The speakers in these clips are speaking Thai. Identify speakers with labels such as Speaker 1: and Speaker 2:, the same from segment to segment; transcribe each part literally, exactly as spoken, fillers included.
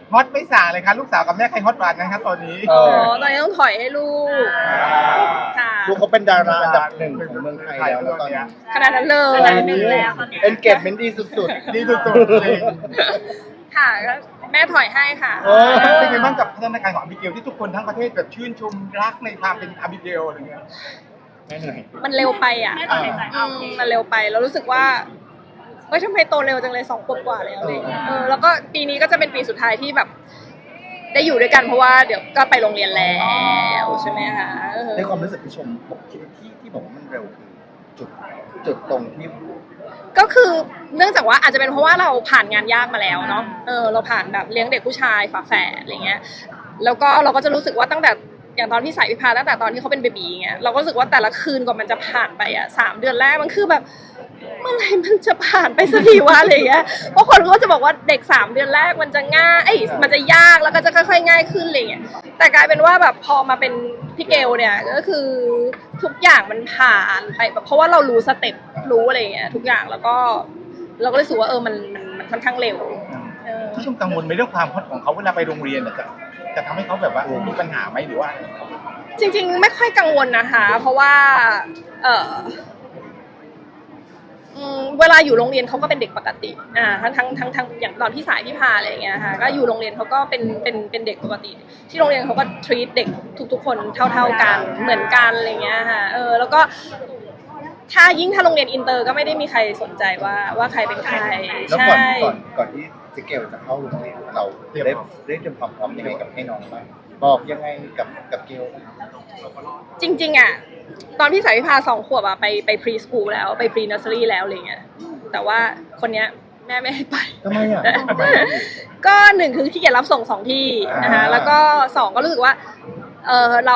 Speaker 1: ฮอตไม่ส่างเลยครับลูกสาวกับแม่ใครฮอตกว่ากันครับตอนนี้
Speaker 2: เอ
Speaker 3: อ๋
Speaker 2: อ
Speaker 3: อตอนนี้ต้องถอยให้ลูกค่ะ
Speaker 2: ลูกเขาเป็นดาราอันดับหนึ่งของเมืองไทยแล้วนะตอนนี้
Speaker 3: ขนาดนั้นเลย
Speaker 4: ขนาดหนึ่งแล้วตอนนี้
Speaker 2: เอนเกจเมนต์ดีสุด
Speaker 1: ดีสุดๆเลย
Speaker 3: ค่ะก็แม่ถอยให้ค่ะ
Speaker 2: โอ้
Speaker 1: เป็นไงบ้างกับพัฒนาการของอาบิเกลที่ทุกคนทั้งประเทศแบบชื่นชมรักในความเป็นอาบิเกลอะไรเงี้ย
Speaker 2: ๆแม่เหนื่อย
Speaker 3: มันเร็วไปอ่ะ
Speaker 4: แม่ต้องหายใจ
Speaker 3: อื
Speaker 4: เอา
Speaker 3: มมันเร็วไปแล้วรู้สึกว่าเฮ้ยทำไมโตเร็วจังเลยสองขวบกว่าแล้วอะไรอย่างเงี้ยเออแล้วก็ปีนี้ก็จะเป็นปีสุดท้ายที่แบบ ได้อยู่ด้วยกันเพราะว่าเดี๋ยวก็ไปโรงเรียนแล้วใช่ไหมคะเออ
Speaker 2: ในความรู้สึกพี่ชมบอกที่ที่ที่บอกว่ามันเร็วคือจุดจุดตรงที่
Speaker 3: ก็คือเนื่องจากว่าอาจจะเป็นเพราะว่าเราผ่านงานยากมาแล้วเนาะเออเราผ่านแบบเลี้ยงเด็กผู้ชายฝาแฝดอะไรเงี้ยแล้วก็เราก็จะรู้สึกว่าตั้งแต่อย่างตอนพี่สายพิพาตั้งแต่ตอนที่เขาเป็นเบบีเงี้ยเราก็รู้สึกว่าแต่ละคืนกว่ามันจะผ่านไปอ่ะสามเดือนแรกมันคือแบบเมื่อไหร่มันจะผ่านไปสักทีวะอะไรเงี้ยเพราะคนก็จะบอกว่าเด็กสามเดือนแรกมันจะง่ายเอ้ยมันจะยากแล้วก็จะค่อยๆง่ายขึ้นอะไรเงี้ยแต่กลายเป็นว่าแบบพอมาเป็นพี่เกลเนี่ยก็คือทุกอย่างมันผ่านไปแบบเพราะว่าเรารู้สเต็ปรู้อะไรเงี้ยทุกอย่างแล้วก็เราก็รู้สึกว่าเออมันมันมันค่อนข้างเร็วเออ
Speaker 1: พี่ชมกังวลไหมเรื่องความฮอตของเขาเวลาไปโรงเรียนอะจะจะทำให้เขาแบบว่ามีปัญหาไหมหรือว่า
Speaker 3: จริงๆไม่ค่อยกังวลนะคะ เพราะว่าเอออืมเวลาอยู่โรงเรียนเขาก็เป็นเด็กปกติอ่าทั้งทั้งทั้งทั้งอย่างตอนพี่สายพี่พาอะไรอย่างเงี้ยค่ะก็อยู่โรงเรียนเขาก็เป็นเป็นเป็นเด็กปกติ ที่โรงเรียนเขาก็ treat เด็กทุกๆคนเท่าๆกันเหมือนกันอะไรเงี้ยค่ะเออแล้วก็ถ้ายิ่งถ้าโรงเรียนอินเตอร์ก็ไม่ได้มีใครสนใจว่าว่าใครเป็นใคร
Speaker 2: แล้วก่อน
Speaker 3: ใช่
Speaker 2: ก่อนก่อนที่เจ๊เกลจะเข้าโรงเรียนเราได้ได้เตรียมความพร้อมยังไงกับให้น้องบ้างบอกยังไงกับกับเกล
Speaker 3: จริงๆอ่ะตอนพี่สายพิพาสองขวบอ่ะไปไปพรีสคูลแล้วไปพรีนัสเซอรี่แล้วอะไรเงี้ยแต่ว่าคนเนี้ยแม่ไม่ให้ไป
Speaker 2: ทำไมอ่ะทำไม
Speaker 3: ก็หนึ่งคือขี้เกียจรับส่งสองที่นะคะ
Speaker 2: อ่า
Speaker 3: แล้วก็สองก็รู้สึกว่าเออเรา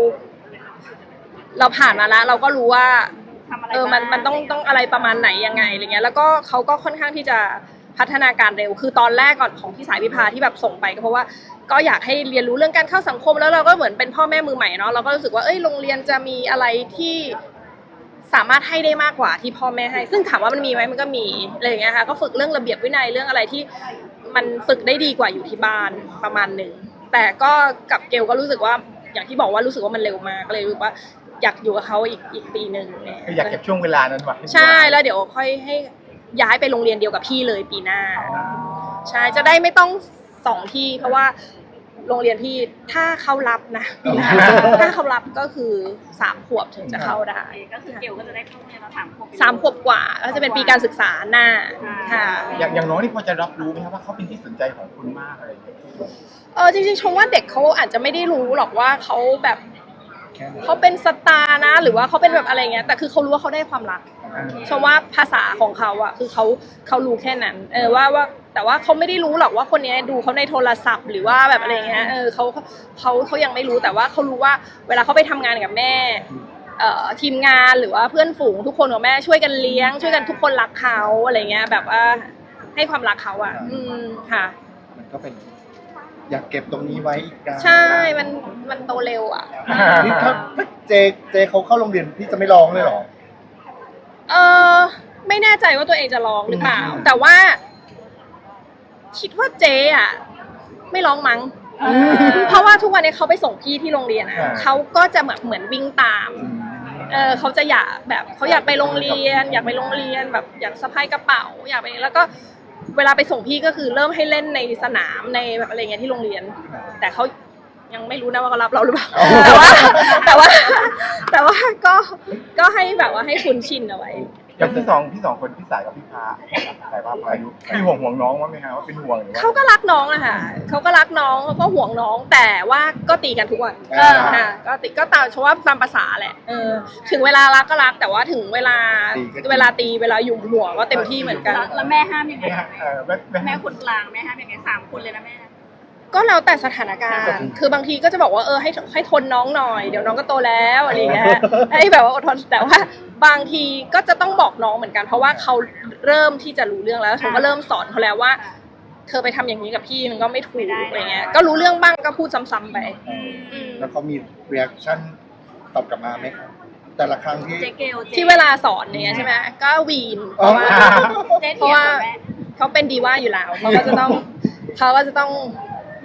Speaker 3: เราผ่านมาแล้วเราก็รู้ว่า
Speaker 4: ทำอะไร
Speaker 3: เออมันมันต้องต้องอะไรประมาณไหนยังไงอะไรเงี้ยแล้วก็เขาก็ค่อนข้างที่จะพัฒนาการเร็วคือตอนแรกก่อนของพี่สายพิพาที่แบบส่งไปก็เพราะว่าก็อยากให้เรียนรู้เรื่องการเข้าสังคมแล้วเราก็เหมือนเป็นพ่อแม่มือใหม่เนาะเราก็รู้สึกว่าเอ้ยโรงเรียนจะมีอะไรที่สามารถให้ได้มากกว่าที่พ่อแม่ให้ซึ่งถามว่ามันมีไหมมันก็มีอะไรอย่างเงี้ยค่ะก็ฝึกเรื่องระเบียบวินัยเรื่องอะไรที่มันฝึกได้ดีกว่าอยู่ที่บ้านประมาณหนึ่งแต่ก็กับเกลก็รู้สึกว่าอย่างที่บอกว่ารู้สึกว่ามันเร็วมากก็เลยรู้สึกว่าอยากอยู่กับเขาอีกอีกปีหนึ่งเนี่ย
Speaker 1: คืออยากเก็บช่วงเวลานั้นไว้
Speaker 3: ใช่แล้วเดี๋ยวค่อยให้ย้ายไปโรงเรียนเดียวกับพี่เลยปีหน้าใช่จะได้ไม่ต้องสองที่เพราะว่าโรงเรียนพี่ถ้าเขารับนะปีหน้าถ้าเขารับก็คือสามขวบถึงจะเข้าได้
Speaker 4: ก็คือเกลก็จะได้เข้าโรงเรียนมาสามขวบ
Speaker 3: สามขวบกว่าก็จะเป็นปีการศึกษาหน้าค่ะ
Speaker 1: อย่างอย่างน้องนี่พอจะรับรู้ไหมครับว่าเขาเป็นที่สนใจของคุณมากอะไรอย่างเงี้ย
Speaker 3: เออจริงๆชมว่าเด็กเขาอาจจะไม่ได้รู้หรอกว่าเขาแบบ
Speaker 2: แค่นั้น
Speaker 3: เขาเป็นสตาร์นะหรือว่าเขาเป็นแบบอะไรเงี้ยแต่คือเขารู้ว่าเขาได้ความรักชมว่าภาษาของเขาอะคือเขาเขารู้แค่นั้นเออว่าว่าแต่ว่าเขาไม่ได้รู้หรอกว่าคนนี้ดูเขาในโทรศัพท์หรือว่าแบบอะไรเงี้ยเออเขาเขาเขายังไม่รู้แต่ว่าเขารู้ว่าเวลาเขาไปทำงานกับแม่เอ่อทีมงานหรือว่าเพื่อนฝูงทุกคนกับแม่ช่วยกันเลี้ยง ช่วยกันทุกคนรักเขาอะไรเงี้ยแบบว่าให้ความรักเขาอะอืมค่ะ
Speaker 2: มันก็เป็น อยากเก็บตรงนี้ไว้อีกการ
Speaker 3: ใช่มันมันโตเร็วอะ
Speaker 2: นี่ถ้าถ้าเจเจเขาเข้าโรงเรียนพี่จะไม่ร้องเลยเหรอ
Speaker 3: เออไม่แน่ใจว่าตัวเองจะร้องหรือเปล่าแต่ว่า คิดว่าเจ๊อะไม่ร้องมั้งเพราะว่าทุกวันนี้เขาไปส่งพี่ที่โรงเรียนอะ
Speaker 2: อ่า
Speaker 3: เขาก็จะเหมือนเหมือนวิ่งตาม เออเขาจะอยากแบบเขาอยากไปโรงเรียน อยากไปโรงเรียนแบบอยากสะพายกระเป๋าอยากไปแล้วก็เวลาไปส่งพี่ก็คือเริ่มให้เล่นในสนามในแบบอะไรเงี้ยที่โรงเรียน แต่เขายังไม่รู้นะว่าเขารับเราหรือเปล่าแต่ว่าแต่ว่า แต่ว่าก็ก็ให้แบบว่าให้คุ้นชินเอาไว้
Speaker 1: อย่างพี่สองพี่สองคนพี่สายกับพี่พาสายพาพายุพี่ห่วงห่วงน้องมั้ยไหมครับว่าเป็นห่วงหรือว่า
Speaker 3: เขาก็รักน้องอะค่ะเขาก็รักน้องเขาก็ห่วงน้องแต่ว่าก็ตีกันทุกวัน
Speaker 2: อ่า
Speaker 3: ค่ะก็ตีก็ตามเพราะว่าตามภาษาแหละเออถึงเวลารักก็รักแต่ว่าถึงเวลาเวลาตีเวลาหยุ่มหัวก็เต็มที่เหมือนกัน
Speaker 4: แล้วแล้วแม่ห้ามยังไง
Speaker 1: เนี่ยเออแม่แม่
Speaker 4: แม่คนกลางแม่ห้ามยังไงสามคนเลยนะแม่
Speaker 3: ก็แล้วแต่สถานการณ์ คือบางทีก็จะบอกว่าเออให้ให้ทนน้องหน่อยเดี๋ยวน้องก็โตแล้วอะไรอย่างเงี้ยให้แบบว่าอดทนแต่ว่าบางทีก็จะต้องบอกน้องเหมือนกัน เพราะว่าเขาเริ่มที่จะรู้เรื่องแล้วฉันก็เริ่มสอนเขาแล้วว่า เธอไปทำอย่างนี้กับพี่มันก็ไม่ถูกอะไรเงี้ยก็รู้เรื่องบ้างก็พูดซ้ำๆไป
Speaker 2: แล้วเขามี reaction ตอบกลับมาไหมครับแต่ละครั้งที่
Speaker 4: เจ๊เกลจ๊
Speaker 3: ที่เวลาสอนเนี่ยใช่ไหมก็วีนเพ
Speaker 2: อ๋อ
Speaker 3: ราะว่า
Speaker 4: เจ๊
Speaker 3: เพ
Speaker 4: เถี
Speaker 3: ราะ
Speaker 4: ยง
Speaker 3: ว่า
Speaker 4: กับแม่
Speaker 3: เขาเป็นดีว่าอยู่แล้วเขาก็จะต้องเขาก็จะต้อง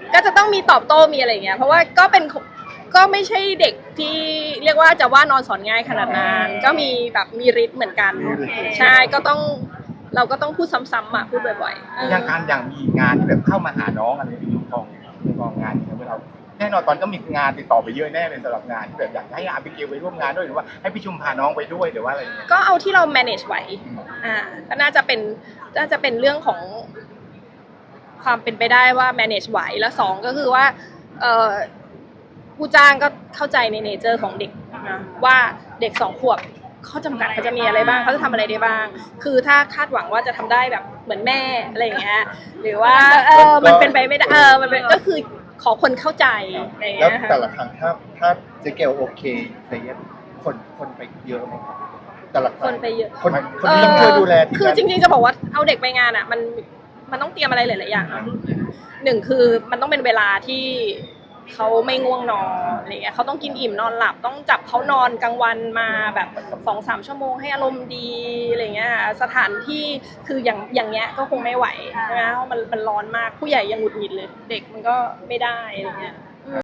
Speaker 3: ก็จะต้องมีตอบโต้มีอะไรอย่างเงี้ยเพราะว่าก็เป็นก็ไม่ใช่เด็กที่เรียกว่าจะว่านอนสอนง่ายขนาดนั้นก็มีแบบมีฤทธิ์เหมือนกันใช่ก็ต้องเราก็ต้องพูดซ้ำๆอ่ะพูดบ่อยๆ
Speaker 1: อย่างการอย่างมีงานที่แบบเข้ามาหาน้องอะไรที่ยุคทองยุคทองงานอย่างเงี้ยเราแน่นอนตอนก็มีงานติดต่อไปเยอะแน่เลยสำหรับงานที่แบบอยากให้อาบิเกลไปร่วมงานด้วยหรือว่าให้พี่ชุมพาน้องไปด้วยหรือว่าอะไรอย่างเงี้ย
Speaker 3: ก็เอาที่เรา manage ไหวอ่าก็น่าจะเป็นน่าจะเป็นเรื่องของความเป็นไปได้ว่า manage ไหวแล้วสองก็คือว่าเอ่อผู้จ้างก็เข้าใจในเนเจอร์ของเด็กนะว่าเด็กสองขวบข้อจำกัดเขาจะมีอะไรบ้างเขาจะทำอะไรได้บ้าง คือถ้าคาดหวังว่าจะทำได้แบบเหมือนแม่อะไรอย่างเงี้ยหรือว่าเออมันเป็นไปไม่ได้เออมันเป็นก็คือขอคนเข้าใจอะไรอย่าง
Speaker 2: แล้ว
Speaker 3: เงี้ยค่ะ
Speaker 2: แต่ละครั้งถ้าถ้าเจ๊เกลโอเคเซเยสคนคนไปเยอะไหมครับแต่ละครั้ง
Speaker 3: คนไปเยอะ
Speaker 2: คนคนที่ต้องช่วยดูแลที่
Speaker 3: คือ
Speaker 2: นั่น
Speaker 3: จริงๆจะบอกว่าเอาเด็กไปงานอ่ะมันมันต้องเตรียมอะไรหลายๆอย่างเนอะหนึ่งคือมันต้องเป็นเวลาที่เขาไม่ง่วงนอนอะไรเงี้ยเขาต้องกินอิ่มนอนหลับต้องจับเขานอนกลางวันมาแบบสองสามชั่วโมงให้อารมณ์ดีอะไรเงี้ยสถานที่คืออย่างอย่างเงี้ยก็คงไม่ไหวใช่ไหมเพราะมันมันร้อนมากผู้ใหญ่ยังหงุดหงิดเลย เด็กมันก็ไม่ได้อะไรเงี้ย